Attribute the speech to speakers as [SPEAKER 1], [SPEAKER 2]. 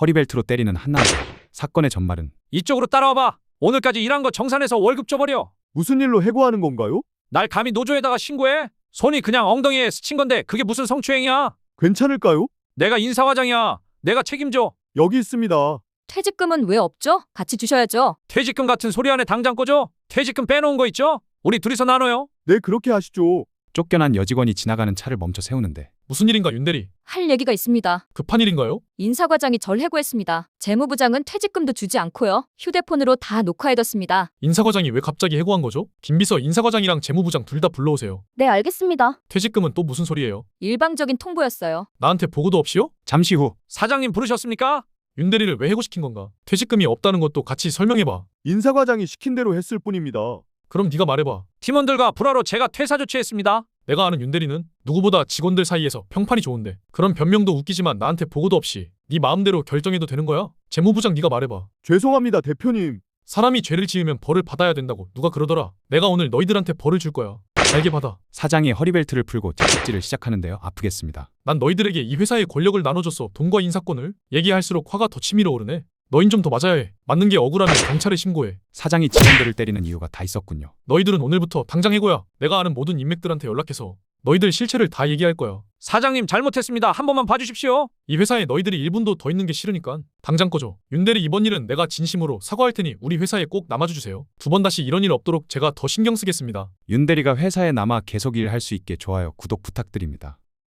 [SPEAKER 1] 허리벨트로 때리는 한 남자. 사건의 전말은
[SPEAKER 2] 이쪽으로 따라와봐. 오늘까지 일한 거 정산해서 월급 줘버려.
[SPEAKER 3] 무슨 일로 해고하는 건가요?
[SPEAKER 2] 날 감히 노조에다가 신고해? 손이 그냥 엉덩이에 스친 건데 그게 무슨 성추행이야?
[SPEAKER 3] 괜찮을까요?
[SPEAKER 2] 내가 인사과장이야. 내가 책임져.
[SPEAKER 3] 여기 있습니다.
[SPEAKER 4] 퇴직금은 왜 없죠? 같이 주셔야죠.
[SPEAKER 2] 퇴직금 같은 소리 안에 당장 꺼줘. 퇴직금 빼놓은 거 있죠? 우리 둘이서 나눠요.
[SPEAKER 3] 네, 그렇게 하시죠.
[SPEAKER 1] 쫓겨난 여직원이 지나가는 차를 멈춰 세우는데
[SPEAKER 5] 무슨 일인가 윤대리?
[SPEAKER 4] 할 얘기가 있습니다.
[SPEAKER 5] 급한 일인가요?
[SPEAKER 4] 인사과장이 절 해고했습니다. 재무부장은 퇴직금도 주지 않고요. 휴대폰으로 다 녹화해뒀습니다.
[SPEAKER 5] 인사과장이 왜 갑자기 해고한 거죠? 김비서 인사과장이랑 재무부장 둘 다 불러오세요.
[SPEAKER 4] 네, 알겠습니다.
[SPEAKER 5] 퇴직금은 또 무슨 소리예요?
[SPEAKER 4] 일방적인 통보였어요.
[SPEAKER 5] 나한테 보고도 없이요?
[SPEAKER 1] 잠시 후
[SPEAKER 2] 사장님 부르셨습니까?
[SPEAKER 5] 윤대리를 왜 해고시킨 건가? 퇴직금이 없다는 것도 같이 설명해봐.
[SPEAKER 3] 인사과장이 시킨 대로 했을 뿐입니다.
[SPEAKER 5] 그럼 네가 말해봐.
[SPEAKER 2] 팀원들과 불화로 제가 퇴사 조치했습니다.
[SPEAKER 5] 내가 아는 윤대리는 누구보다 직원들 사이에서 평판이 좋은데 그런 변명도 웃기지만 나한테 보고도 없이 네 마음대로 결정해도 되는 거야? 재무부장 네가 말해봐.
[SPEAKER 3] 죄송합니다, 대표님.
[SPEAKER 5] 사람이 죄를 지으면 벌을 받아야 된다고 누가 그러더라. 내가 오늘 너희들한테 벌을 줄 거야. 잘게 받아.
[SPEAKER 1] 사장이 허리벨트를 풀고 채찍질을 시작하는데요. 아프겠습니다.
[SPEAKER 5] 난 너희들에게 이 회사의 권력을 나눠줬어. 돈과 인사권을. 얘기할수록 화가 더 치밀어 오르네. 너흰 좀 더 맞아야 해. 맞는 게 억울하면 경찰에 신고해.
[SPEAKER 1] 사장이 직원들을 때리는 이유가 다 있었군요.
[SPEAKER 5] 너희들은 오늘부터 당장 해고야. 내가 아는 모든 인맥들한테 연락해서 너희들 실체를 다 얘기할 거야.
[SPEAKER 2] 사장님 잘못했습니다. 한 번만 봐주십시오.
[SPEAKER 5] 이 회사에 너희들이 1분도 더 있는 게 싫으니까 당장 꺼줘. 윤대리 이번 일은 내가 진심으로 사과할 테니 우리 회사에 꼭 남아줘 주세요. 두 번 다시 이런 일 없도록 제가 더 신경 쓰겠습니다.
[SPEAKER 1] 윤대리가 회사에 남아 계속 일할 수 있게 좋아요, 구독 부탁드립니다.